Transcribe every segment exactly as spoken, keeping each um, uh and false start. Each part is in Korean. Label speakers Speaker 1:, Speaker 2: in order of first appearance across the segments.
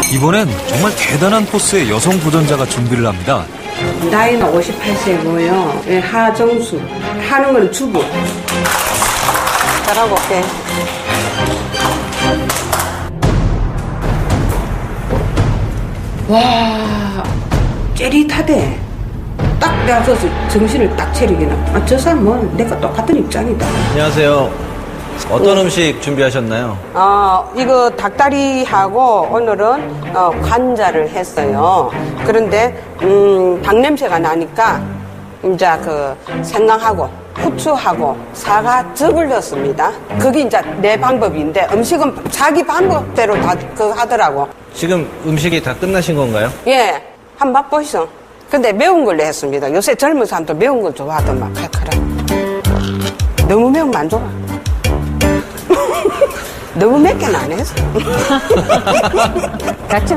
Speaker 1: 이번엔 정말 대단한 코스의 여성 도전자가 준비를 합니다.
Speaker 2: 나이는 오십팔 세고요. 예, 하정수. 하는 건 주부. 잘하고 올게. 와, 째릿하대. 딱 내가 서 정신을 딱 차리기는. 아, 저 사람은 내가 똑같은 입장이다.
Speaker 3: 안녕하세요. 어떤 음식 준비하셨나요?
Speaker 2: 어, 이거 닭다리하고 오늘은 어, 관자를 했어요. 그런데 음, 닭 냄새가 나니까 이제 그 생강하고 후추하고 사과즙을 넣습니다. 그게 이제 내 방법인데 음식은 자기 방법대로 다 그 하더라고.
Speaker 3: 지금 음식이 다 끝나신 건가요?
Speaker 2: 예, 한번 맛보시죠. 근데 매운 걸로 했습니다. 요새 젊은 사람들 매운 걸 좋아하더만 칼칼한. 너무 매우면 안 좋아. 너무 맵게는 안 했어. 같이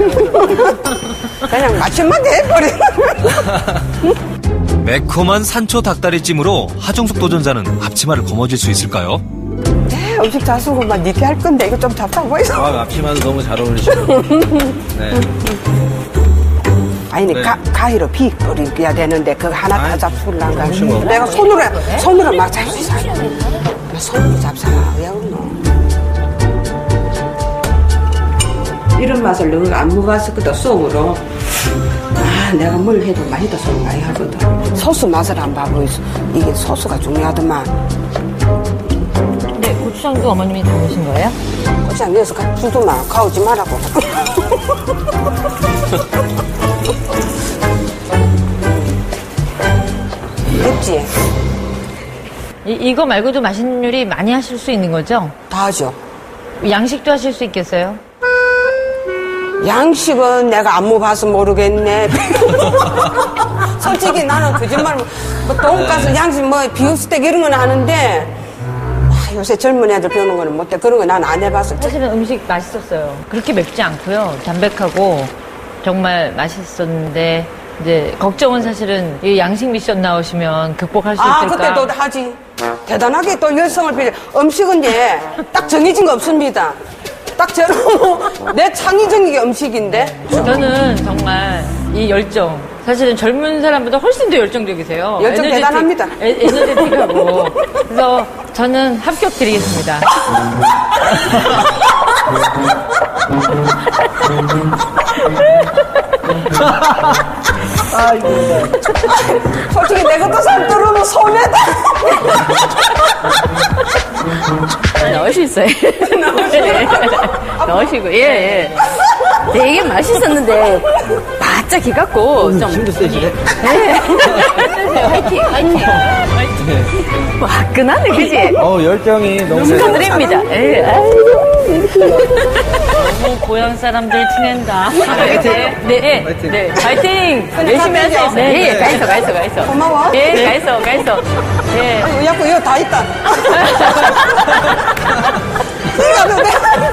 Speaker 2: 그냥 맛있게 해버려.
Speaker 1: 매콤한 산초 닭다리찜으로 하정숙 도전자는 앞치마를 거머쥘 수 있을까요?
Speaker 2: 네, 음식 잘 쓰고 막 니께 할 건데 이거 좀 답답해 보이소.
Speaker 3: 아, 앞치마도 너무 잘 어울리시고. 네.
Speaker 2: 아니,
Speaker 3: 네.
Speaker 2: 가, 가위로 비 뿌려야 되는데 그거 하나 다 잡수려고
Speaker 3: 혹시 뭐?
Speaker 2: 내가 손으로 손으로 막 잡수사. 손으로 잡사라. 왜 그러노? 이런 맛을 너가 안 먹었었거든, 쏘으로. 아, 내가 뭘 해도 맛있다 소리 많이 하거든. 소스 맛을 안 봐보이소. 이게 소스가 중요하더만.
Speaker 4: 네, 고추장도 어머님이 담으신 거예요?
Speaker 2: 고추장 넣어서 가- 주도 마. 가오지 말라고. 됐지?
Speaker 4: 이, 이거 말고도 맛있는 요리 많이 하실 수 있는 거죠?
Speaker 2: 다 하죠.
Speaker 4: 양식도 하실 수 있겠어요?
Speaker 2: 양식은 내가 안 먹어봐서 모르겠네. 솔직히 나는 거짓말, 뭐, 돈가스, 양식, 뭐, 비프스테이크 이런 건 하는데, 아, 요새 젊은 애들 배우는 거는 못해. 그런 거 난 안 해봤어.
Speaker 4: 사실은 음식 맛있었어요. 그렇게 맵지 않고요. 담백하고 정말 맛있었는데 이제 걱정은 사실은 이 양식 미션 나오시면 극복할 수
Speaker 2: 아,
Speaker 4: 있을까?
Speaker 2: 그때 또 하지. 대단하게 또 열성을 빌려. 음식은 예, 딱 정해진 거 없습니다. 딱 저런, 내 창의적인 게 음식인데.
Speaker 4: 저는 정말 이 열정 사실은 젊은 사람보다 훨씬 더 열정적이세요.
Speaker 2: 열정
Speaker 4: 에너제틱-
Speaker 2: 대단합니다.
Speaker 4: 에, 에너제틱하고 그래서 저는 합격 드리겠습니다.
Speaker 2: 솔직히 내 것도 살 떨어면 손해다.
Speaker 5: 넣을 수 있어요. 넣으시고, 예, 예. 되게 맛있었는데, 바짝 기갖고, 좀.
Speaker 3: 힘도 세지네.
Speaker 5: 화이팅, 화이팅. 화끈하네, 그지?
Speaker 3: 어, 열정이 너무 세요.
Speaker 5: 축하드립니다. 예, 아이고.
Speaker 4: 너무 고향 사람들 티낸다.
Speaker 3: 화이팅!
Speaker 4: 네, 네,
Speaker 3: 화이팅!
Speaker 4: 네, 파이팅! 열심히 하세요.
Speaker 5: 네, 예, 가있어, 가있어, 가있어.
Speaker 2: 고마워.
Speaker 5: 예, 가있어, 가있어. 예.
Speaker 2: 이거 야구 이거 다 있다. 이거 도 돼.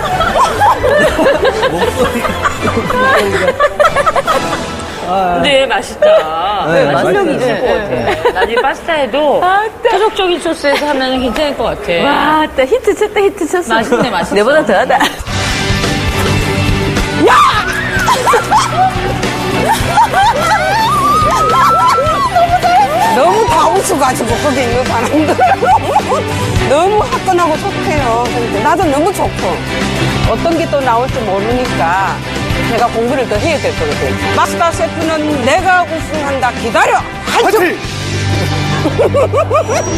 Speaker 4: 네, 맛있다.
Speaker 3: 네,
Speaker 4: 맛있는
Speaker 3: 맛있어요.
Speaker 4: 있을 것 같아. 나중에 파스타에도 토속적인 소스에서 하면 괜찮을 것 같아.
Speaker 5: 와, 또 히트 쳤다, 히트 쳤어.
Speaker 4: 맛있네, 맛있어.
Speaker 5: 내보다 더하다.
Speaker 2: 너무 다 웃어가지고 거기 있는 사람들 너무 화끈하고 좋대요. 근데 나도 너무 좋고 어떤 게 또 나올지 모르니까 제가 공부를 더 해야 될 거거든. 마스터 셰프는 내가 우승한다. 기다려. 화이팅!